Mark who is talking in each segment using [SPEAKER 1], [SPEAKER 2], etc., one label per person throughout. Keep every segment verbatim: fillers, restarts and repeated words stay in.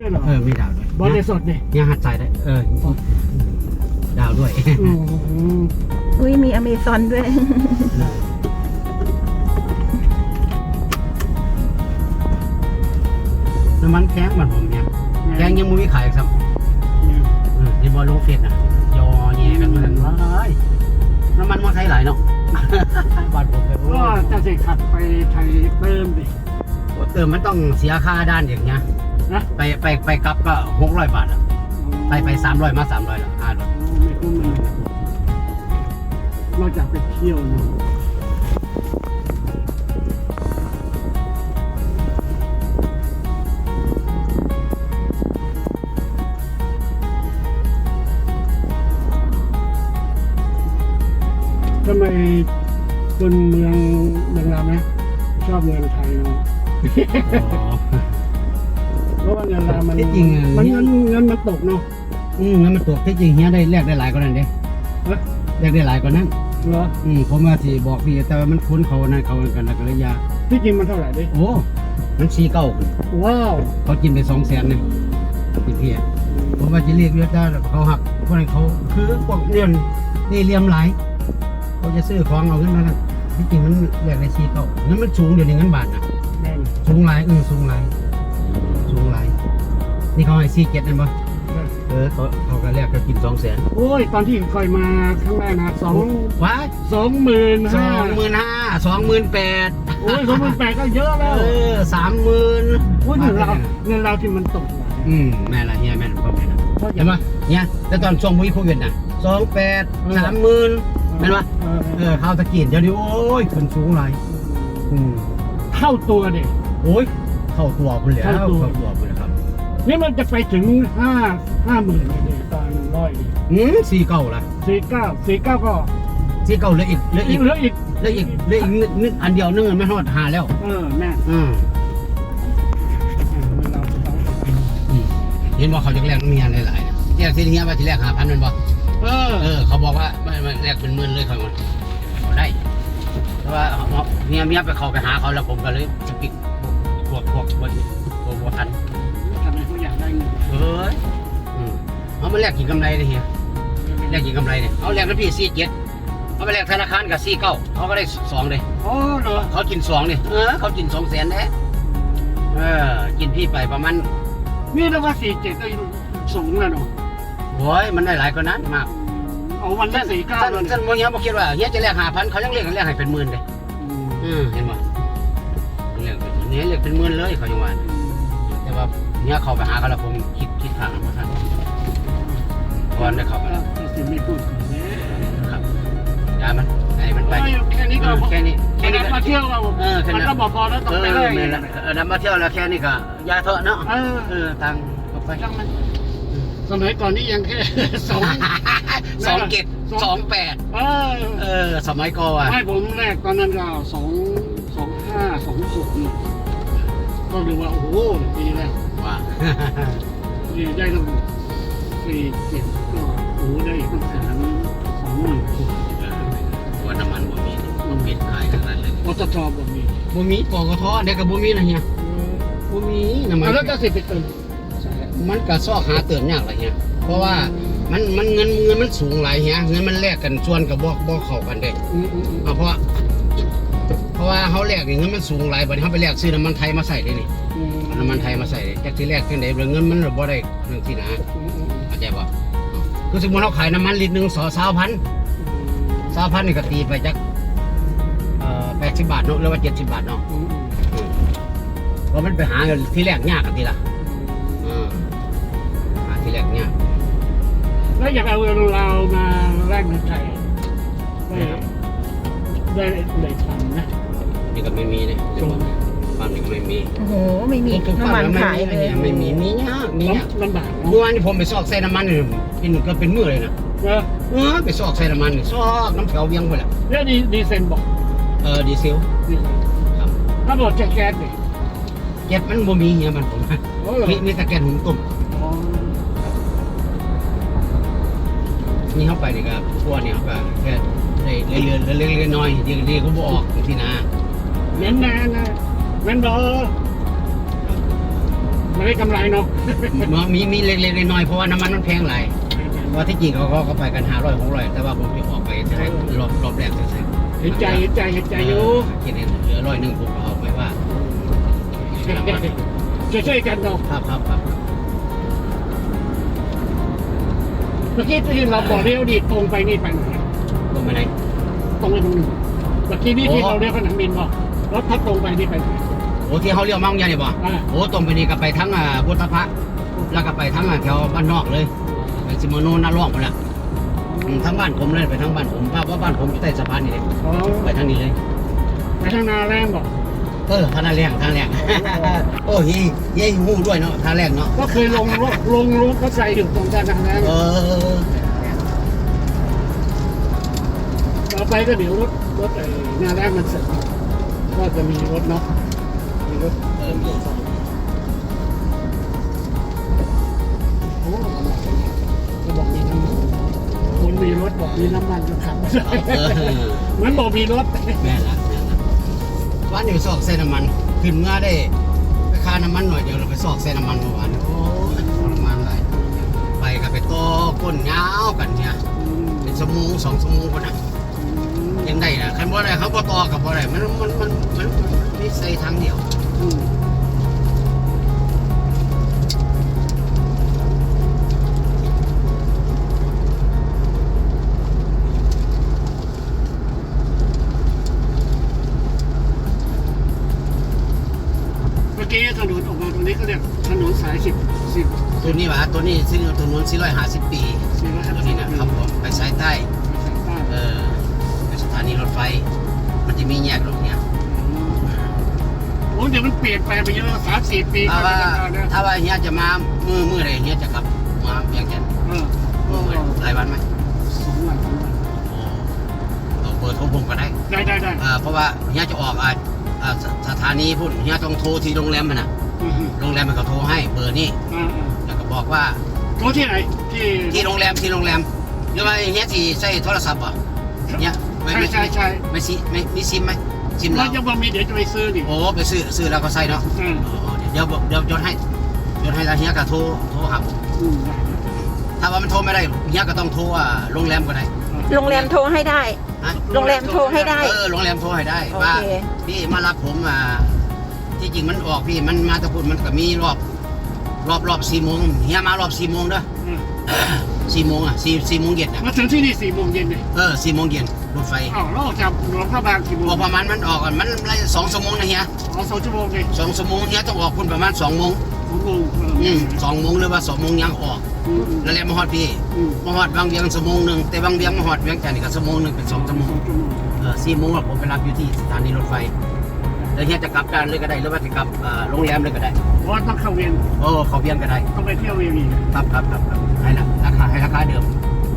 [SPEAKER 1] เออมีดาวด้วย
[SPEAKER 2] บอลในสดเนี่ย
[SPEAKER 1] ยังหัดใจได้เออดาวด้วย
[SPEAKER 3] อุ้ยมีอเมซอนด้วย
[SPEAKER 1] น้ำมันแข้งมันผมเนี่ยแข้งยังไม่มีขายครับในบอลลงเฟสนะยอแย่กันเหมือนว้ายน้ำมันมอไซค์หลายเนาะบาดผมเลย
[SPEAKER 2] ก็จะสิขับไปไทยเติมดิ
[SPEAKER 1] เติมมันต้องเสียค่าด้านอย่างเงี้ย
[SPEAKER 2] นะ
[SPEAKER 1] ไปไปไปกลับก็หกร้อยบาทอ่ะไปไปสามร้อยมาสามร้อยละห้าร้อย
[SPEAKER 2] ไม่คุ้มเลยนอกจากไปเที่ยวเนาะทำไมคนเมืองเมืองเราไหมชอบเงินไทยเนาะเพราะว่าเงินเรามัน
[SPEAKER 1] ที่จริง
[SPEAKER 2] มันเงินเงินมันตกเนาะ
[SPEAKER 1] อืมงั้นมันตกที่จริงเฮียได้แลกได้หลายกว่านั้นเด้แลกได้หลายกว่านั้น
[SPEAKER 2] เหรอ
[SPEAKER 1] อืมผมว่าสิบอกพี่แต่ว่ามันคุ้นเขานั่นเขากันแล้วก็เลยยา
[SPEAKER 2] ที่จริงมันเท่าไหร่ดิ
[SPEAKER 1] โอ้มันสี่เก้าขึ้น
[SPEAKER 2] ว้าว
[SPEAKER 1] เขากินไปสองแสนเนี่ยพี่พี่ผมว่าจะเรียกเยอะได้เขาหักพวกนั้นเขาคือพวกเรื่องนี่เลี่ยมหลายเขาจะซื้อของเอาขึ้นมานั่นที่จริงมันแลกได้สี่เก้างั้นมันสูงเดี๋ยวนี้เงินบาทนะ
[SPEAKER 2] แน่น
[SPEAKER 1] สูงหลายเออสูงหลายสูงหลายนี่เขาให้สี่เจ็ดนั่นปะเออเขาเขาก็แลกก็กินสองแสน
[SPEAKER 2] โอ้ยตอนที่เคยมาครั้งแรกนะสอง
[SPEAKER 1] ว้า
[SPEAKER 2] สองหมื่น
[SPEAKER 1] ส
[SPEAKER 2] ห้า
[SPEAKER 1] องหมื่นห้าสองหมื่นแปด
[SPEAKER 2] โอ้ยสองหมื่นแปดก็เยอะ
[SPEAKER 1] เอ
[SPEAKER 2] แล้ว
[SPEAKER 1] อสามหมื่น
[SPEAKER 2] โอ้ยเงินเราเงินเราที่มันตกมา
[SPEAKER 1] อืมแม่ละเฮียแม่ละพ่อแม่ละเห็นปะเนี่ยแต่ตอนช่วงมุ้ยโควิดน่ะสองแปดสามหมื่นเห็นปะ
[SPEAKER 2] เออ
[SPEAKER 1] เออข้าวตะกี้เดี๋ยวนี้โอ้ยขึ้นสูงหลายอืม
[SPEAKER 2] เท่าตัวเด็ก
[SPEAKER 1] โอ้ยเข้าตัวคุณเหลือ
[SPEAKER 2] เข้า
[SPEAKER 1] เข้า
[SPEAKER 2] ตัว
[SPEAKER 1] ตัวคุณเลยครับ
[SPEAKER 2] นี่มันจะไปถึงห้าห้าหมื่นเลยตอนร้อยดิ
[SPEAKER 1] อืมสี่เก้าละ
[SPEAKER 2] สี่เก้าสี่เก้าก็
[SPEAKER 1] สี่เก้าเหลืออีกเหลืออีก
[SPEAKER 2] เหลืออีก
[SPEAKER 1] เหลืออีกเหลืออีกนิดนิดอันเดียวนึงไม่ทอดหาแล้ว
[SPEAKER 2] เออแม่
[SPEAKER 1] อืม
[SPEAKER 2] เงินเราต้อง
[SPEAKER 1] อืมเห็นว่าเขาจะแลกเมียหลายๆนะแลกที่เฮียว่าจะแลกหาพันเป็นบ่
[SPEAKER 2] เออ
[SPEAKER 1] เออเขาบอกว่าไม่ไม่แลกเป็นหมื่นเลยเขาบอกเขาได้เพราะว่าเมียเมียไปเขาไปหาเขาแล้วผมก็เลยจะปิดพวกพวกพวกพวกพวกทัน
[SPEAKER 2] ทำไมเขาอยากได้เงิน
[SPEAKER 1] เฮ้ยอืมเอามาแลกกินกำไรเลยเฮียแลกกินกำไรเนี่ยเอาแลกกับพี่สี่เจ็ดเอาไปแลกธนาคารกับสี่เก้าเขาก็ได้สองเลย
[SPEAKER 2] โอ้เหรอ
[SPEAKER 1] เขากินสองเลยเออเขากินสองแสนแน่เออกินพี่ไปประมาณ
[SPEAKER 2] นี่แล้วว่าสี่เจ็ดก็สูงแล้วเนาะ
[SPEAKER 1] โอ้ยมันได้หลายกว่านั้นมาก
[SPEAKER 2] เอาวันละสี่เก้า
[SPEAKER 1] ท่าน
[SPEAKER 2] เลย
[SPEAKER 1] ท่านโมเฮียบอกคิดว่าเฮียจะแลกหาพันเขายังเรียกกันแลกให้เป็นหมื่นเลยอืมเห็นป่ะเรียกเป็นเนี้ยเรียกเป็นหมื่นเลยเขายังว่าแต่ว่าเนี้ยเขาไปหาเขาแล้วผมคิดคิดทางแล้วท่านก่อนได้เข้าไปแล้ว
[SPEAKER 2] สิไม่พูดถึงเนี่ย
[SPEAKER 1] ครับยามันไอ้มันไป
[SPEAKER 2] แค่นี้ก็
[SPEAKER 1] แค่นี้
[SPEAKER 2] แค่
[SPEAKER 1] แค่นี้
[SPEAKER 2] นี้
[SPEAKER 1] ก็
[SPEAKER 2] มาเที่ยวเรา
[SPEAKER 1] เออแค่
[SPEAKER 2] มัน
[SPEAKER 1] นั้น
[SPEAKER 2] ก็บอกพอแล้วต้อง
[SPEAKER 1] เอ
[SPEAKER 2] ไป
[SPEAKER 1] อ
[SPEAKER 2] เลย
[SPEAKER 1] แม่นเออนำมาเที่ยวแล้วแค่นี้ก็ยาเถอะเนาะ
[SPEAKER 2] เออ
[SPEAKER 1] เออตังออกไป
[SPEAKER 2] ช่างมันสมัยก่อนนี่ยังแค่สอง
[SPEAKER 1] สองเก็บสองแปด
[SPEAKER 2] เออ
[SPEAKER 1] เออสมัยก่อน
[SPEAKER 2] ไม่ผมแรกตอนนั้นก็สองสองห้าสองหกนี่ก็เรียกว่าโอ้โหปีแรก
[SPEAKER 1] ว่า
[SPEAKER 2] นี่ได้ตั้งสี่เจ็ดก็โอ้โหได้ตั้งแสนสองหมื่นกว่า
[SPEAKER 1] ว่าน้ำมันบ่มีบ่มีขายขนาดนั้นเลย
[SPEAKER 2] ปตทแบบนี้
[SPEAKER 1] บ่มีปกทเด็กกับบ่มีนะเฮียบ่มีน้ำมัน
[SPEAKER 2] แล้วก็สิบไปเติม
[SPEAKER 1] มันก็ซอกหาเติมยากหลายเฮียเพราะว่ามันมันเงินเงินมันสูงหลายเฮียเงินมันแลกกันส่วนกับบ่บ่เข้ากันเด้
[SPEAKER 2] อืมอืมอืม
[SPEAKER 1] เอาเพราะว่าเพราะว่าเฮาแลกนี่เงินมันสูงหลายบัดนี้เฮาไปแลกซื้อน้ำมันไทยมาใส่ได้นี่
[SPEAKER 2] อืม
[SPEAKER 1] น้ำมันไทยมาใส่จักสิแลกจังได๋เงินมันบ่ได้เรื่องที่นะ
[SPEAKER 2] อืมอืม
[SPEAKER 1] เข้าใจป่ะคือสมมติเราขายน้ำมันลิตรหนึ่งสอสาวพันสาวพันนี่ก็ตีไปจักเอ่อแปดสิบบาทเนาะหรือว่าเจ็ดสิบบาทเนาะ
[SPEAKER 2] อืมอืม
[SPEAKER 1] เพราะมันไปหาเงินที่แรกยากกันทีละเออหาที่แรกยาก
[SPEAKER 2] แล้วอยากเอาเงินเรามาแลกเงินไทยได้ได้ได้ทำนะ
[SPEAKER 1] นี่ก็ไม่มีเนี่ยความนี่ก็ไม่มี
[SPEAKER 3] โอ้โห ไม่มี
[SPEAKER 1] ทุก
[SPEAKER 3] น้ำมันขายเลย
[SPEAKER 1] ไม่มีมียากมียาก
[SPEAKER 2] ลำบาก
[SPEAKER 1] เมื่อวานที่ผมไปซอกใส่น้ำมันนี่เป็นก็เป็นมือเลยนะ
[SPEAKER 2] เออ
[SPEAKER 1] เออไปซอกใส่น้ำมันนี่ซอกน้ำแถวเวียงไปแหละ
[SPEAKER 2] แล้วดีดีเซนบอก
[SPEAKER 1] เออดีเซล
[SPEAKER 2] ดีเซน
[SPEAKER 1] ครับ
[SPEAKER 2] ถ้าบอกจะแก๊สเนี่ย
[SPEAKER 1] แก๊สมันบ่มีเงี้ยมันผม
[SPEAKER 2] โอ้เหรอ
[SPEAKER 1] มีมีแต่แก๊สหุงต้ม
[SPEAKER 2] อ๋อ
[SPEAKER 1] นี่เข้าไปนี่ครับพวกนี้เขาก็แค่ได้เรื่อยๆเล็กๆน้อยๆดีดีก็บออกที่นา
[SPEAKER 2] เน้นนานนะแม่นบอแเขาได้กำไรเนาะ
[SPEAKER 1] มีมีเล็กๆน้อยๆเพราะว่าน้ำมันมันแพงหลายว่าที่จริงเขาก็เขาไปกันห้าร้อยหกร้อยแต่ว่าผมจะออกไปจะได้รอบรอบแรกจะใส่
[SPEAKER 2] เห็นใจเห็นใจเห็นใจอยู่
[SPEAKER 1] คิดเห็นเหลือร้อยหนึ่งผมก็เอาไปว่า
[SPEAKER 2] ช่วยๆกันเนาะ
[SPEAKER 1] ครับครับครับ
[SPEAKER 2] เมื่อกี้ที่เราบอกเลี้ยวดีตรงไปนี่ไปไหน
[SPEAKER 1] ลงไปไหน
[SPEAKER 2] ตรงไปตรงหนึ่งเมื่อกี้นี่ที่เราเลี้ยวขนมบินบอกรถพัดตรงไปนี่ไปไหน
[SPEAKER 1] โอ้ที่เขาเรียกมั่งยันนี่บ่
[SPEAKER 2] อ่า
[SPEAKER 1] โอ้ตรงไปนี่ก็ไปทั้งอ่าพุทธพระแล้วก็ไปทั้งอ่าแถวบ้านนอกเลยไปซิโมโนน่าร่องไปละอืมทั้งบ้านผมเลยไปทั้งบ้านผมเพราะว่าบ้านผมอยู่ใต้สะพานนี่เลย
[SPEAKER 2] อ๋อ
[SPEAKER 1] ไปทางนี้เลย
[SPEAKER 2] ไปทางนาแรงบอก
[SPEAKER 1] เออท่านาแรงท่าแรงโอ้ยเย้หูด้วยเนาะท่าแรงเนาะ
[SPEAKER 2] ก็เคยลงรถลงรถก็ใส่อยู่ตรงกันทางนั้น
[SPEAKER 1] เออ
[SPEAKER 2] ต่อไปก็เดี๋ยวรถรถไอ้นาแรงมันเสร็จก็จะมีรถเนาะมีรถ
[SPEAKER 1] เออมี
[SPEAKER 2] โอ้ก็บอกมีน้ำมันคนมีรถบอกมีน้ำมันจะขับไม่ได้
[SPEAKER 1] เออ
[SPEAKER 2] เหมือนบอกมีรถ
[SPEAKER 1] แม่ละแม่ละวันนี้ไปซอกเส้นน้ำมันขึ้นเมื่อได้ไปค่าน้ำมันหน่อยเดียวเราไปซอกเส้นน้ำมันเมื่อวานโอ้ยทรมานเลยไปกับไปโตก้นยาวกันเนี่ยเป็นชั่วโมงสองชั่วโมงคนน่ะยังได้นะคันบ่ได้เขาบ่ต่อกับบ่ได้มันมันมันมันมีใส่ทางเดียว
[SPEAKER 2] อืมเมื่อกี้ถนนออกมาตรงนี้ก็เรียกถนนสายสิบสิบ
[SPEAKER 1] ตัวนี้วะตัวนี้ซึ่งถนนสี่ร้อยห้าสิบปี
[SPEAKER 2] สี่ร้อยห้า
[SPEAKER 1] ตัว
[SPEAKER 2] สิ
[SPEAKER 1] นี้
[SPEAKER 2] บ
[SPEAKER 1] นะครับผมไปสายใต้ เออไปสถานีรถไฟ มันจะมีแยกรถเนี่ย
[SPEAKER 2] โอ้เดี๋ยวมันเปลี่ยนแปลงไปเยอะสามสี่ปี
[SPEAKER 1] ถ้าว่า
[SPEAKER 2] ก็ได้
[SPEAKER 1] ถ้าว่าเฮียจะมามือมืออะไรเฮียจะกลับมาเพียงแค่
[SPEAKER 2] เออ
[SPEAKER 1] มือมือหลายวันไหม
[SPEAKER 2] สองวันสองวัน
[SPEAKER 1] โอ้เอาเบอร์โทรผมก็ได้
[SPEAKER 2] ได้ได้ได้
[SPEAKER 1] อ่าเพราะว่าเฮียจะออกอ่าอ่าสสถานีพุ่นเฮียต้องโทรที่โรงแรมมันนะ
[SPEAKER 2] อืม
[SPEAKER 1] โรงแรมมันก็โทรให้เบอร์นี้
[SPEAKER 2] อ่า
[SPEAKER 1] แล้วก็บอกว่า
[SPEAKER 2] ๆโทรที่ไหนที่
[SPEAKER 1] ที่โรงแรมที่โรงแรมหรือว่าเฮียที่ใช้โทรศัพท์ป่ะเนี่ยไม่
[SPEAKER 2] ใช่
[SPEAKER 1] ไม่
[SPEAKER 2] ใช่ใช่
[SPEAKER 1] ไม่ซิไม่มีซิมไหมซิม
[SPEAKER 2] เรา
[SPEAKER 1] เรา
[SPEAKER 2] จะว่ามีเดี๋ยวจะไปซื้อดิ
[SPEAKER 1] โอ้ไปซื้อซื้อแล้วก็ใส่เนาะ
[SPEAKER 2] อืม
[SPEAKER 1] อ๋อเดี๋ยวเดี๋ยวจดให้จดให้แล้วเฮียก็โทรโทรหาผม
[SPEAKER 2] อืมได้
[SPEAKER 1] ถ้าว่ามันโทรไม่ได้เฮียก็ต้องโทรอ่าโรงแรมก็ได้
[SPEAKER 3] โรงแรมโทรให้ได้
[SPEAKER 1] ฮะ
[SPEAKER 3] โรงแรมโทรให้ได้
[SPEAKER 1] เออโรงแรมโทรให้ได้
[SPEAKER 3] โอ
[SPEAKER 1] ว่า
[SPEAKER 3] เค
[SPEAKER 1] พี่มารับผมอ่าที่จริงมันออกพี่มันมาตะพุนมันก็มีรอบรอบรอบสี่โมงเฮียมารอบสี่โมงเด้อ
[SPEAKER 2] อืม
[SPEAKER 1] สี่โมงอ่ะสี่สี่โมงเย็นอ่ะ
[SPEAKER 2] มาถึงที่นี่สี่โมงเย็นเลย
[SPEAKER 1] เออสี่โมงเย็นรถไฟ
[SPEAKER 2] อ้าวเราออกจากหลวงพระบางกี่โมง
[SPEAKER 1] ออกประมาณมันออกอ่ะมันไรสองชั่วโมงนะเฮีย
[SPEAKER 2] อ๋อสองชั่วโมงเลย
[SPEAKER 1] สองชั่วโมงเฮียต้องออกคุณประมาณสองโมง
[SPEAKER 2] สองโมงเออ
[SPEAKER 1] อืมสองโมงหรือว่าสองโมงยังออก
[SPEAKER 2] อืมอืม
[SPEAKER 1] แล้วแหละมาฮอดพี่
[SPEAKER 2] อืม
[SPEAKER 1] มาฮอดบางเวียงชั่วโมงหนึ่งแต่บางเวียงมาฮอดเวียงจันทร์นี่ก็ชั่วโมงหนึ่งเป็นสองชั่วโมง
[SPEAKER 2] สองชั่วโมง
[SPEAKER 1] เออสี่โมงอะผมไปรับอยู่ที่สถานีรถไฟแล้วเฮียจะกลับกันเลยก็ได้หรือว่าจะกลับเอ่อโรงแรมเลยก็ได้
[SPEAKER 2] เพราะว่าต้องเข้าเวียน
[SPEAKER 1] โอ้เขาเวียงก็ได้
[SPEAKER 2] ต้องไปเที่ยวเวียนอีก
[SPEAKER 1] ครับครับครับครับให้ละราคาให้ราคาเดิม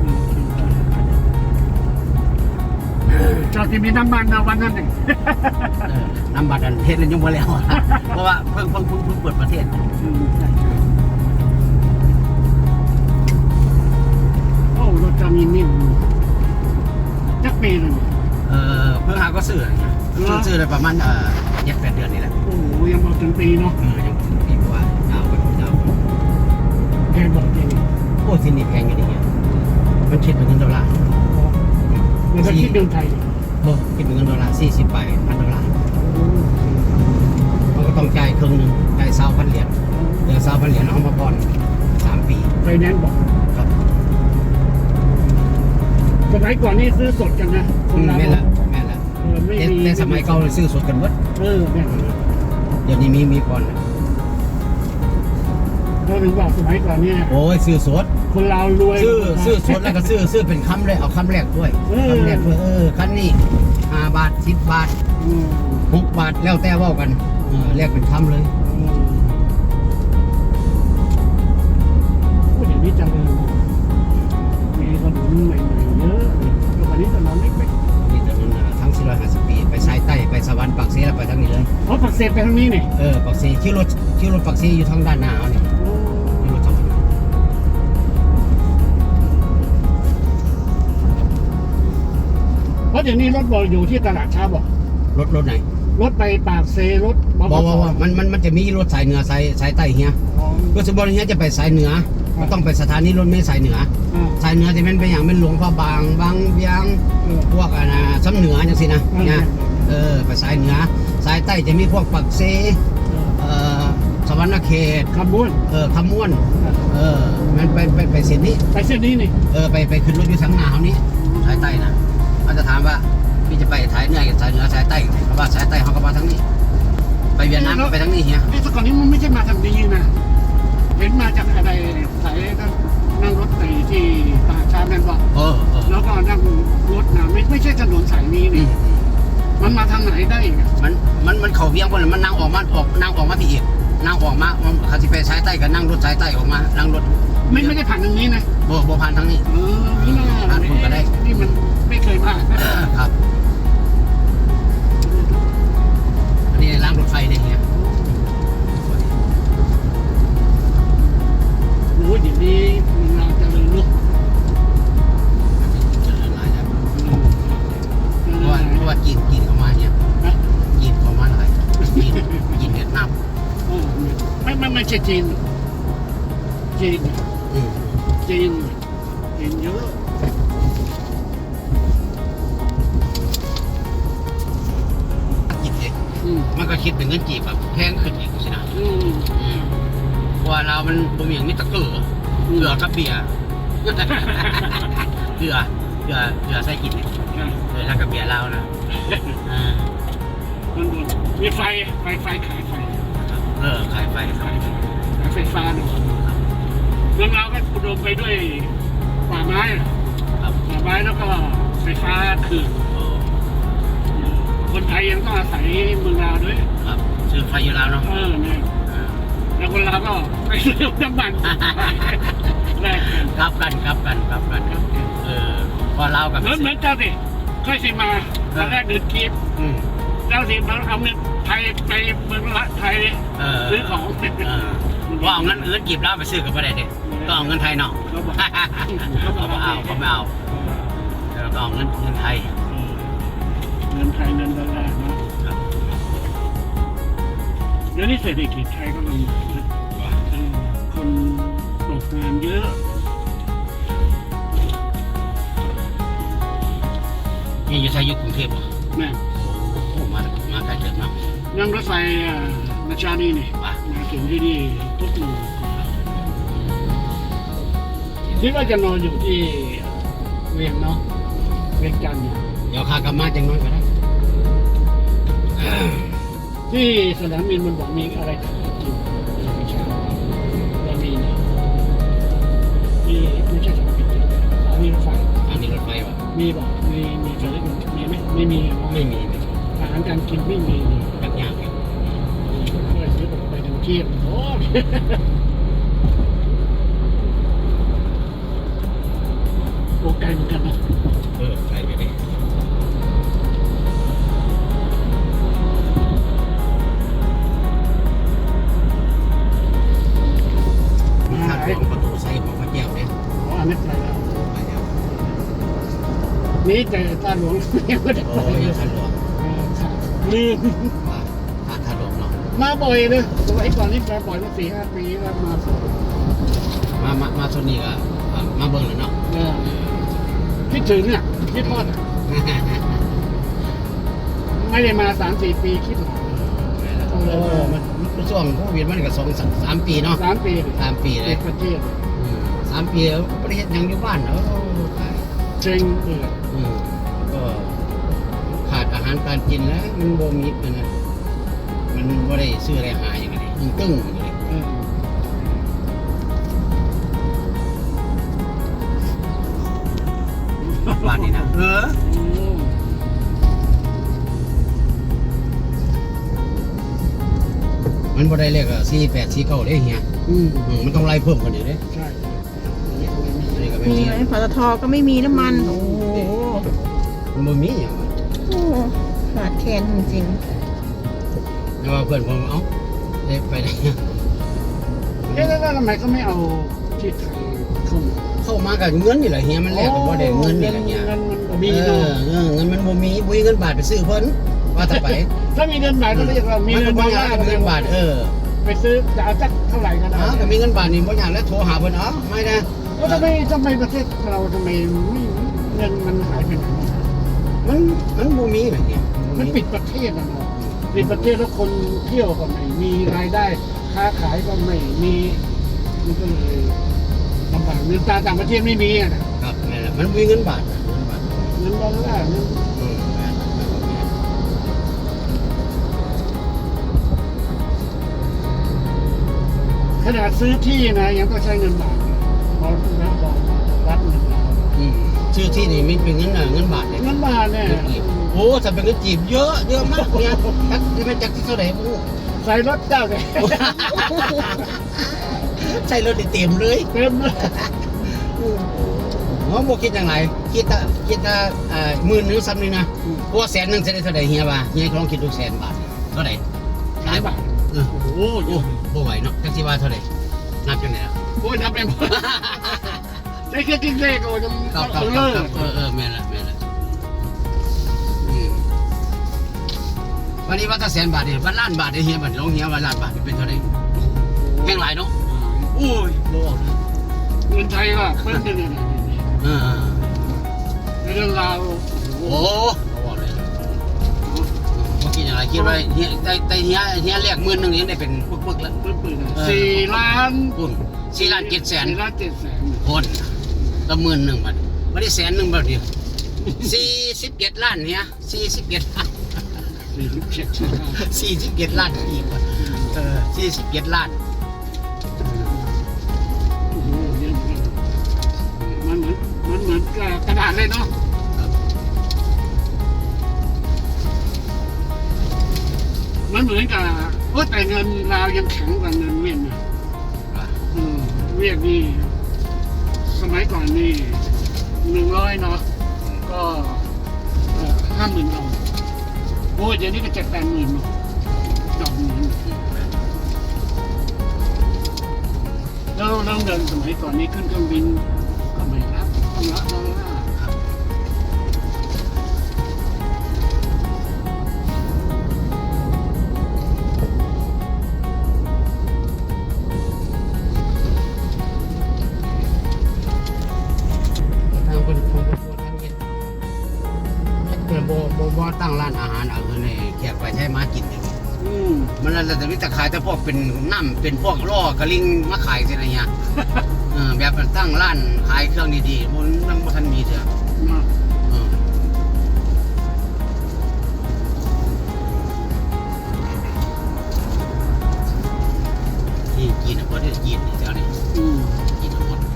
[SPEAKER 2] จอดที่มีน้ำมันนะวันนั้นหนึ่ง
[SPEAKER 1] เออน้ำบัตรอันเทศเลยยังบ่แล้วอะ เพราะว่าเพิ่งเพิ่งเพิ่งเพิ่งเปิดประเทศ
[SPEAKER 2] อืมใช่ใช่โอ้รถจะมีนิ่มจักปีเลย
[SPEAKER 1] เออเพิ่งหาก็ซื้อนะซื้อซื้อได้ประมาณเอ่อเจ็ดแปดเดือนนี่แหละ
[SPEAKER 2] โอ้โหยังบอกถึงปีเนาะ
[SPEAKER 1] เออยังปีกว่ายาวไปยาวไป
[SPEAKER 2] แพงบอกจริง
[SPEAKER 1] โอ้ที่นี่แพงอยู่ดีเนี่ยมันคิดเป็นเงินดอลลาร์
[SPEAKER 2] มันจะคิดเดินไทย
[SPEAKER 1] โอ้คิดเป็นเงินดอลลาร์สี่สิบใบพันดอลลาร์มันก็ต้องจ่ายครึ่งหนึงจ่ายเศร้าพันเหรียญเดือนเศร้าพันเหรียญเอามาผ่อนสามปี
[SPEAKER 2] ไฟแนนซ์บอก
[SPEAKER 1] ครับ
[SPEAKER 2] สมัยก่อนนี่ซื้อสดกันนะค
[SPEAKER 1] อื
[SPEAKER 2] น
[SPEAKER 1] ม
[SPEAKER 2] เรา
[SPEAKER 1] แม่นละแม่นละ
[SPEAKER 2] เออไม่
[SPEAKER 1] แต่
[SPEAKER 2] มี
[SPEAKER 1] แต่สมัยเก่าซื้อสดกันหมด
[SPEAKER 2] เออเนี่ย
[SPEAKER 1] เดี๋ยวนี้มีมีผ่อนแล้ว
[SPEAKER 2] เราถึงบอกสมัยก่อนเนี่ย
[SPEAKER 1] โอ้ยซื้อสด
[SPEAKER 2] คนเรารวย
[SPEAKER 1] ซื้อซื้อสดแล้วก็ซื้อซื้อเป็นคำเลยเอาคำแรกด้วย
[SPEAKER 2] เออ
[SPEAKER 1] คำแรกด้วยเออคันนี้ห้าบาทสิบบาท
[SPEAKER 2] อืม
[SPEAKER 1] หกบาทแล้วแต่เว่ากันเออแรกเป็นคำเลย
[SPEAKER 2] อืมโอ้เดี๋ยวนี้เจังเลยมีถนนใหม่ๆเยอะแล้ววันนี้ถนนเล็กไป
[SPEAKER 1] นี่ถนนอ่ะทั้งสี่ร้อยห้าสิบปีไปสายใต้ไปสวรรค์ปากเสียแล้วไปทางนี้เลย
[SPEAKER 2] เพราะปักเสร็จไปทางนี้นี่
[SPEAKER 1] เออปากเสียชื่อรถชื่อรถปากเสียอยู่ทางด้านหน้าเอานี่
[SPEAKER 2] โอ้
[SPEAKER 1] ชื่อรถสวรรค์
[SPEAKER 2] เพราะเดี๋ยวนี้รถบอลอยู่ที่ตลาดเช้าบอก
[SPEAKER 1] รถรถไหน
[SPEAKER 2] รถไปปากเซรถ
[SPEAKER 1] บอกว่าว่ามันมันมันจะมีรถสายเหนือสายสายใต้เฮีย
[SPEAKER 2] อ๋อ
[SPEAKER 1] รถสมบูรณ์เฮียจะไปสายเหนือ
[SPEAKER 2] ครับ
[SPEAKER 1] ก็ต้องไปสถานีรถเมล์สายเหนือ
[SPEAKER 2] อ่า
[SPEAKER 1] สายเหนือจะเป็นไปอย่างเป็นหลวงพระบางบางเบียง
[SPEAKER 2] เออ
[SPEAKER 1] พวกอ่ะนะซ้ำเหนือจังสินะ
[SPEAKER 2] อืม
[SPEAKER 1] เนี่ยเออไปสายเหนือสายใต้จะมีพวกปักเซเอ่อสวรรณเขต
[SPEAKER 2] ขบวน
[SPEAKER 1] เออคำม่วนเออมันไปไปไปเส้นนี้
[SPEAKER 2] ไปเส้นนี้นี่
[SPEAKER 1] เออไปไปขึ้นรถอยู่สังหนาวนี้สายใต้นะเขาจะถามว่าพี่จะไปสายเหนือกับสายเหนือสายใต้เพราะว่าสายใต้เขาก็มาทางนี้ ไปเวียดนามก็ไปทางนี้เฮีย
[SPEAKER 2] ไอ้แต่ก่อนนี้มันไม่ใช่มาทางนี้นะเห็นมาจากอะไรสายก็นั่งรถไปที่ตาชาแมนบอก
[SPEAKER 1] เออเออ
[SPEAKER 2] แล้วก็นั่งรถนะไม่ไม่ใช่ถนนสายนี้
[SPEAKER 1] อื
[SPEAKER 2] นี่
[SPEAKER 1] ม
[SPEAKER 2] มันมาทางไหนได้อีกอะ
[SPEAKER 1] มันมันมันเขาเวียงคนละมันนั่งออกมาออกนั่งออกมาพี่อีกนั่งออกมามันเขาจะไปสายใต้ก็นั่งรถสายใต้ออกมานั่งรถ
[SPEAKER 2] ไม่ไม่ได้ผ่านทางนี้นะ
[SPEAKER 1] โบโบผ่านทางนี้
[SPEAKER 2] เออนี่น่า
[SPEAKER 1] ผ่านคุณก็ได้
[SPEAKER 2] นี่มันไม่เคยผ่าน
[SPEAKER 1] ครับอันนี้รางรถไฟเนี่ยเฮีย
[SPEAKER 2] โอ้ยเดี๋ยวนี้เราจะเลยลุก
[SPEAKER 1] เจริญหลายแล้วเพราะว่าเพราะว่าจีนจีนเข้ามาเนี่ย
[SPEAKER 2] นะ
[SPEAKER 1] จีนเข้ามาหลายจีนจีนเวียดนาม
[SPEAKER 2] เออไม่ไม่ไม่ใช่จีนจีน
[SPEAKER 1] อืม
[SPEAKER 2] จีนจีนเยอะ
[SPEAKER 1] จีนเอง
[SPEAKER 2] อืม
[SPEAKER 1] มันก็คิดเป็นเงินจีบแบบแพงขึ้นอีกสินะ
[SPEAKER 2] อืม
[SPEAKER 1] อืมเพราะว่าเรามันบ่มีอย่างนี้ตะเกือเกลือกับเบียร์ เกลือเกลือเกลือใส่กินเนี่ยเกลือแล้วกับเบียร์เรานะอ่า
[SPEAKER 2] มันบนมีไฟไฟไฟขายไฟ
[SPEAKER 1] เออขายไฟ
[SPEAKER 2] ขายไฟขายไฟฟ้าเนาะเมืองเราก็อุดมไปด้วยป่าไม้อะ
[SPEAKER 1] ครับ
[SPEAKER 2] ป่าไม้แล้วก็ไฟฟ้าคือ
[SPEAKER 1] โอ้
[SPEAKER 2] คนไทยยังต้องอาศัยเมืองลาวด้วย
[SPEAKER 1] ครับซื้อไฟอยู่แล้วเนาะ
[SPEAKER 2] เออเนี่ย
[SPEAKER 1] อ่า
[SPEAKER 2] แล้วคนลาวก็ไปซื้อน้ำมันแลกกัน
[SPEAKER 1] ครับกันครับกันครับกันเออพอเรากับ
[SPEAKER 2] เหมือนเหมือนเจ้าสิค่อยสิมาตอนแรกเดินกีบ
[SPEAKER 1] อืม
[SPEAKER 2] เจ้าสิมาเอาเงินไทยไปเมืองละไทย
[SPEAKER 1] เออ
[SPEAKER 2] ซื้อของ
[SPEAKER 1] เออว่าเอาเงินเงินกีบเราไปซื้อกับประเด็นดิต้องเอาเงินไทยเนาะ
[SPEAKER 2] เขาบอก
[SPEAKER 1] เขาไม่เอาเขาไม่เอาเราต้องเอาเงินเงินไทย
[SPEAKER 2] เงินไทยเงินดอลลาร์เนาะ
[SPEAKER 1] ครับ
[SPEAKER 2] เดี๋ยวนี้เศรษฐกิจไทยก็ลำบากนะเออคนตกงานเยอะ
[SPEAKER 1] นี่อยู่ไทยอยู่กรุงเทพเหรอ
[SPEAKER 2] แม่
[SPEAKER 1] โอ้มามาไกลเกินเนาะ
[SPEAKER 2] นั่งรถไฟอ่ามาชานีนี่
[SPEAKER 1] ว่า
[SPEAKER 2] มาถึงที่นี่ทุกโมงคิดว่าจะนอนอยู่ที่เวียงเนาะเวียงจันทร์เนี่ย
[SPEAKER 1] เดี๋ยวข้ากลับมาจังน้อยก็ได้
[SPEAKER 2] ที่สนามบินมันบอกมีอะไรขายกินไม่ใช่แล้วมีนะมีไม่ใช่สนามบินสถานีรถไฟ
[SPEAKER 1] อันนี้รถไฟวะ
[SPEAKER 2] มีบอกมีมีเจอได้มีไหมไม่มีอะ
[SPEAKER 1] ไม่มีไม่มี
[SPEAKER 2] อาหารการกินไม่มี
[SPEAKER 1] แบบยากอยู่
[SPEAKER 2] เพื่อซื้อไปถึงเที่ยงโอ้ยโอ้ไกลเหมือนกันนะ
[SPEAKER 1] เออไกลไปเลยทางของประตูไซของพระแก้วเนี่ย
[SPEAKER 2] อ๋ออันนี้ไปแล้ว
[SPEAKER 1] ไปแล้ว
[SPEAKER 2] นี่แต่ตาหลวงยังไม่ได้ไป
[SPEAKER 1] โอ้ย
[SPEAKER 2] เลย
[SPEAKER 1] ท่านหลวง
[SPEAKER 2] เออค่ะลืม
[SPEAKER 1] ว่าท่านท่านหลวงเนาะ
[SPEAKER 2] มาบ่อยเลยสมัยก่อนนี่มาบ่อยมาสี่ห้าปีแล้วมา
[SPEAKER 1] มามามาชนนี่ก็อ่ามาเบิ่งแล้วเนาะ
[SPEAKER 2] เออคิดถึงอ่ะคิดทอดอ่ะไม่ได้มาสามสี่ปีคิดถึง
[SPEAKER 1] โอ้มันมันช่วงโควิดมันก็สองสามสามปีเนาะ
[SPEAKER 2] สามปี
[SPEAKER 1] สามปีเล
[SPEAKER 2] เด็
[SPEAKER 1] ย
[SPEAKER 2] กประเทศ
[SPEAKER 1] อืมสามปีแล้วประเทศยังอยู่บ้านเนาะตาย
[SPEAKER 2] เจ๊งเอือ
[SPEAKER 1] อืมก็ขาดอาหารการกินแล้ว มันบ่มีมันนะมันบ่ได้ซื้ออะไรหาอย่างนี้มันตึ้งอย่างนี้
[SPEAKER 2] เออ
[SPEAKER 1] บ้านนี่นะเออ
[SPEAKER 2] โอ้
[SPEAKER 1] มันบ่ได้เลขอ่ะสี่แปดสี่เก้าเลยเฮีย
[SPEAKER 2] อืม
[SPEAKER 1] อืมมันต้องไล่เพิ่มกว่านี้เด้
[SPEAKER 2] ใช่
[SPEAKER 1] อันนี้ก็ไม่
[SPEAKER 3] มี
[SPEAKER 1] มี
[SPEAKER 3] ไหมปตทก็ไม่มีน้ำมัน โอ้โห
[SPEAKER 1] มันบ่มีอย่างนั้น
[SPEAKER 3] โอ้ขาดแคลนจริง
[SPEAKER 1] แต่ว่าเพื่อนผมเอ้าเอ๊ะไปไหน
[SPEAKER 2] เอ๊ะแล้วทำไมเขาไม่เอาที่ไทยเข้ามา
[SPEAKER 1] เข้ามากับเงินนี่แหละเฮียมันแลกกับบ่ได้เงินนี่แหละเฮีย
[SPEAKER 2] เงินมัน
[SPEAKER 1] เอ
[SPEAKER 2] มี
[SPEAKER 1] อ
[SPEAKER 2] เนาะ
[SPEAKER 1] เงินเงินมันบ่มีบ่มีเงินบาทไปซื้อเพิ่น
[SPEAKER 2] อ
[SPEAKER 1] ว่าจะไป
[SPEAKER 2] ถ้ามีเงินบาทก็เรียกว่ามี
[SPEAKER 1] มี
[SPEAKER 2] เงิ
[SPEAKER 1] เงิ
[SPEAKER 2] น
[SPEAKER 1] น
[SPEAKER 2] ดอล
[SPEAKER 1] บา
[SPEAKER 2] ลาร์
[SPEAKER 1] ทมีเงินบาทเออ
[SPEAKER 2] ไปซื้อจะเอาสักเท่าไหร่ก็ได้
[SPEAKER 1] อ๋อก็มีเงินบาทนี่บ่อย่างแล้วโทรหาเพิ่นอ๋อไม่นะ
[SPEAKER 2] ก็ทำไมทำไมประเทศเราทำไมไม่เงินมันหายไปไหน
[SPEAKER 1] มันมันบ่มีแบบนี้
[SPEAKER 2] มันปิดประเทศนะเนาะปิดประเทศแล้วคนเที่ยวก็ไม่มีรายได้ค้าขายก็ไม่มีมันก็เลยลำบากเงินตราต่างประเทศไม่มีอ่ะนะครับ
[SPEAKER 1] นั่นแหละมันมีเงินบาทนะเงินบาท
[SPEAKER 2] เงินดอลลาร์เงิน
[SPEAKER 1] อืมแม่นแม่นบ่มี
[SPEAKER 2] ขนาดซื้อที่นะยังต้องใช้เงินบาทเลยเพราะรัฐบอกรัฐเงินเรา
[SPEAKER 1] อืมชื่อที่นี่มันเป็นเงินน่ะเงินบาทเลย
[SPEAKER 2] เงินบาทเนี่ย
[SPEAKER 1] เงินกีบโอ้ถ้าเป็นเงินจีบเยอะเยอะมากเนี่ยจักจะเป็นจักที่เท่าไหร่บ่รู้
[SPEAKER 2] ใส่รถเจ้าเนี่ย
[SPEAKER 1] ใช่รถได้เต็มเลย
[SPEAKER 2] เต็มเลย
[SPEAKER 1] อ๋อบ่คิดจังไงคิดถ้าคิดถ้าอ่าหมื่นหนึงซ้ำนี่นะกลัวแสนหนึงจะได้เท่าไหร่เฮียว่าเฮียลองคิดดูแสนบาทเท่าไหร่หลายบาทเออ
[SPEAKER 2] โอ้โห
[SPEAKER 1] โอ้บ่ไหวเนาะจังสิว่าเท่าไหร่นับจังได๋ล่ะ
[SPEAKER 2] โอ้ยนับเป็นใช้แค่กิ้งเลขโอ้ย
[SPEAKER 1] ครับ
[SPEAKER 2] จะ
[SPEAKER 1] ครับ
[SPEAKER 2] เลิ
[SPEAKER 1] ครับ
[SPEAKER 2] ก
[SPEAKER 1] เออเออแม่นละแม่นละอืมวันนี้ว่าถ้าแสนบาทนี่ว่าล้านบาทได้เฮียบัดลองเฮียว่าล้านบาทนี่เป็นเท่าไหร่แม่งหลายเนาะโอ้ยบ่ออกเลย
[SPEAKER 2] เงินไทยว่าเพิ่มขึ้นเนี่ย
[SPEAKER 1] เออ
[SPEAKER 2] ในเรื่องราว
[SPEAKER 1] โอ้บ่ออกเลยเมื่อกี้อย่างไรคิดว่าเฮียได้ได้เฮียเฮียเรียกหมื่นหนึงนี่ได้เป็นปึกๆแล้ว
[SPEAKER 2] เพิ่มขึ้นสี่ล้าน
[SPEAKER 1] คุณสี่ล้านเจ็ดแสน
[SPEAKER 2] สี่ล้านเจ็ดแสน
[SPEAKER 1] คนละหมื่นหนึ่งบาทไม่ได้แสนหนึ่งบาทเดียวสี่สิบเจ็ดล้านเนี่ยสี่สิบเจ็ดล้าน
[SPEAKER 2] สี่สิบเจ็ด
[SPEAKER 1] สี่สิบเจ็ดล้านอีกว่าเออสี่สิบเจ็ดล้าน
[SPEAKER 2] โอ้โหเยอะมากมันเหมือนมันเหมือนกระดาษเลยเนาะมันเหมือนกับโอ้แต่เงินลาวยังแข็งกว่าเงินเวียดนะเออเวียดนี่สมัยก่อนนี่หนึ่งร้อยเนาะก็ห้าหมื่นเอาโอ้ยเดี๋ยวนี้ก็เจ็ดแปดหมื่นเนาะดอกหมื่นแล้วแล้วเงินสมัยก่อนนี้ขึ้นเครื่องบินก็ไม่รับต้องรับดอลลาร์
[SPEAKER 1] ทางคนคนคนทางเฮ็ดเพื่อนบ่บ่บ่ตั้งร้านอาหารเอาเงินให้แขกไปใช้มากินเลย
[SPEAKER 2] อืม
[SPEAKER 1] มันแล้วแต่วิตาขายแต่พวกเป็นน้ำเป็นพวกล่อกระลิงมาขายสิอะไรเงี้ยเออแบบตั้งร้านขายเครื่องดีๆมันมันบ่ทันมีเถอะ
[SPEAKER 2] เนาะ
[SPEAKER 1] เออที่จีนน่ะบ่ได้จีนนี่เจ้านี่
[SPEAKER 2] อืม
[SPEAKER 1] จีนทั้งหมด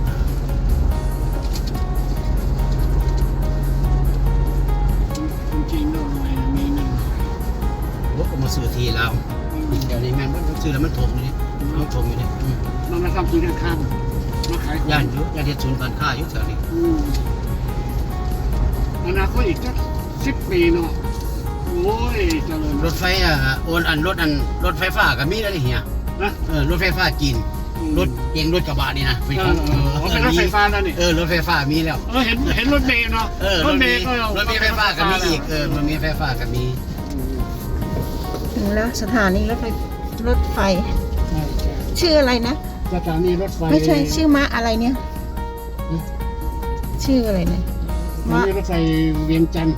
[SPEAKER 2] คนจีนก็รวยมีเงิน
[SPEAKER 1] ว่าก็มาซื้อทีเราเดี๋ยวนี้แม่นมันซื้อแล้วมันถมอยู่นี่มันถมอยู่นี่อืม
[SPEAKER 2] มันมาทำธุรกิจข้ามมาขายของ
[SPEAKER 1] ย่านอยู่ย่านเฮ็ดศูนย์การค้าอยู่แถวนี้
[SPEAKER 2] อืมอนาคตอีกสักสิบปีเนาะโอ้ยเจริญ
[SPEAKER 1] รถไฟอ่ะโอนอันรถอันรถไฟฟ้าก็มีแล้วนี่เฮีย
[SPEAKER 2] นะ
[SPEAKER 1] เออรถไฟฟ้าจีนรถเก่งรถกระบะนี่นะ
[SPEAKER 2] เออเออเป็นรถไฟฟ้าแล้วนี่
[SPEAKER 1] เออรถไฟฟ้ามีแล้ว
[SPEAKER 2] เออเห็นเห็นรถเมล์เนาะ
[SPEAKER 1] เออ
[SPEAKER 2] ร
[SPEAKER 1] ร
[SPEAKER 2] ถ
[SPEAKER 1] ถ
[SPEAKER 2] เม
[SPEAKER 1] มี
[SPEAKER 2] ล์ก็
[SPEAKER 1] รถมีไฟฟ้าก็มีอีกเออมันมีไฟฟ้าก็มี
[SPEAKER 3] ถึงแล้วสถานีรถไฟรถไฟ
[SPEAKER 2] ใช่ใช่
[SPEAKER 3] ชื่ออะไรนะ
[SPEAKER 2] สถานีรถไฟ
[SPEAKER 3] ไม่ใช่ชื่อม้าอะไรเนี่ย ชื่ออะไรเนี่ย
[SPEAKER 2] สถา
[SPEAKER 3] ม้า
[SPEAKER 2] นีรถไฟเวียงจันทร์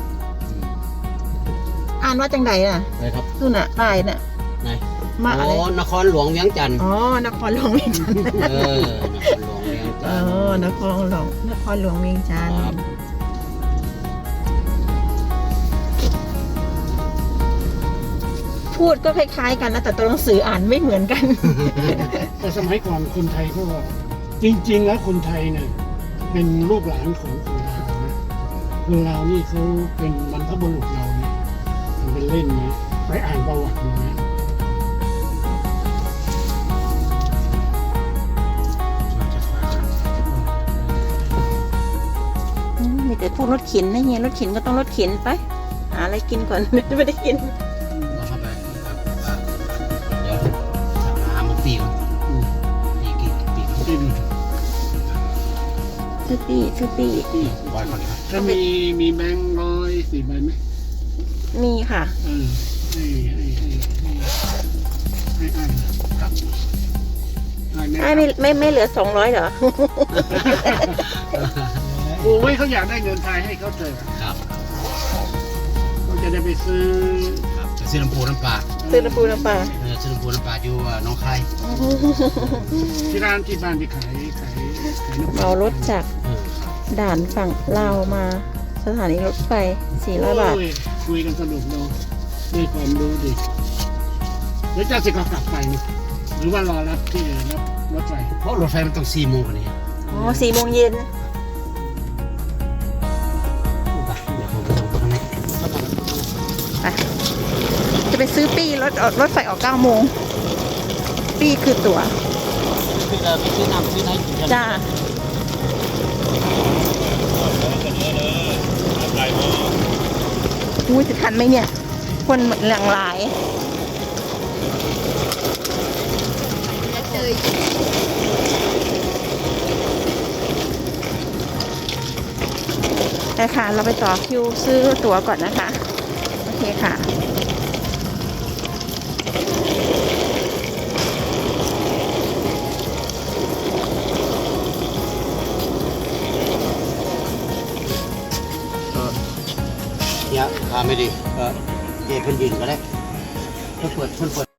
[SPEAKER 3] อ่านว่าจังใดน่ะ
[SPEAKER 1] ไปครับ
[SPEAKER 3] นู่นน่ะป้ายน่ะ
[SPEAKER 1] ไหน
[SPEAKER 3] ม้าอะไร
[SPEAKER 1] อ๋อนครหลวงเวียงจันทร์
[SPEAKER 3] อ๋อนครหลวงเวียงจันทร์
[SPEAKER 1] เออนครหลวงเวียง
[SPEAKER 3] เอ
[SPEAKER 1] จันทร์
[SPEAKER 3] อนครหลวงนครหลวงเวียงจันทร์
[SPEAKER 1] ครับ
[SPEAKER 3] พูดก็คล้ายๆกันนะแต่ตัวหนังสืออ่านไม่เหมือนกัน
[SPEAKER 2] แต่สมัยก่อนคนไทยก็จริง ๆ แล้วคนไทยเนี่ยเป็นลูกหลานของคนลาวนะคนลาวนี่เขาเป็นบรรพบุรุษเราเนี่ยมันเป็นเล่นนะไปอ่านประวัติดูนะ
[SPEAKER 3] อืมมีแต่พูดรถเข็นนะเฮียรถเข็นก็ต้องรถเข็นไปหาอะไรกินก่อน ไม่ได้กิน
[SPEAKER 1] เราเข้าไปครับว่าเดี๋ยวหาหมกปีก่อน
[SPEAKER 2] อืม
[SPEAKER 1] ปีกี่ปีก่อน
[SPEAKER 2] ที่ดู
[SPEAKER 3] ชื่อปี้ชื่อปี้
[SPEAKER 2] ที่
[SPEAKER 1] บอยก่อนครับ
[SPEAKER 2] ถ้ามีมีแบงค์ร้อยสี่ใบไหม
[SPEAKER 3] มีค่ะ
[SPEAKER 2] เออให้ให้ให้ให้ให้อ่านครับอ่านไหมค
[SPEAKER 3] ไอ้
[SPEAKER 2] รับ
[SPEAKER 3] ไม่ไม่ไม่เหลือสองร้อยเหรอ
[SPEAKER 2] โอ้ยเขาอยากได้เงินไทยให้เขาเถอะ
[SPEAKER 1] ครับ
[SPEAKER 2] เขาจะได้ไปซื้อ
[SPEAKER 1] ครับจะซื้อน้ำปูน้ำปลา
[SPEAKER 3] ซื้อน้ำปูน้ำปลา
[SPEAKER 1] เออซื้อน้ำปูน้ำปลาอยู่หน้องคาย
[SPEAKER 2] ที่ร้านที่บ้านที่ขายขายขายน้ำ
[SPEAKER 3] เมารถจาก
[SPEAKER 1] เออครับ
[SPEAKER 3] ด่านฝั่งลาวมาสถานีรถไฟสี่ร้อยบาท
[SPEAKER 2] โอ้ยคุยกันสนุกเนาะได้ความรู้ดิเดี๋ยวจะสิเขากลับไปนี่หรือว่ารอรับที่รับรถไฟ
[SPEAKER 1] เพราะรถไฟมันต้องสี่โมงกว่านี้
[SPEAKER 3] อ๋อสี่โมงเย็น
[SPEAKER 1] ไปเดี๋ยวผมไปดูข้างใน
[SPEAKER 3] ไปจะไปซื้อปี้รถออกรถไฟออกเก้าโมง ปี้คือตั๋ว
[SPEAKER 1] ไปซื้อน้ำซื้อน้ำ
[SPEAKER 3] จ้าอุ้ยจะทันไหมเนี่ย คนหลั่งไหลายแต่ค่ะ เราไปต่อคิวซื้อตั๋วก่อนนะคะ โอเคค่ะ
[SPEAKER 1] เนี่ยขาไม่ดีก็เดี๋ยวเพิ่นยืนก็ได้เพิ่นเปิดเพิ่นเปิด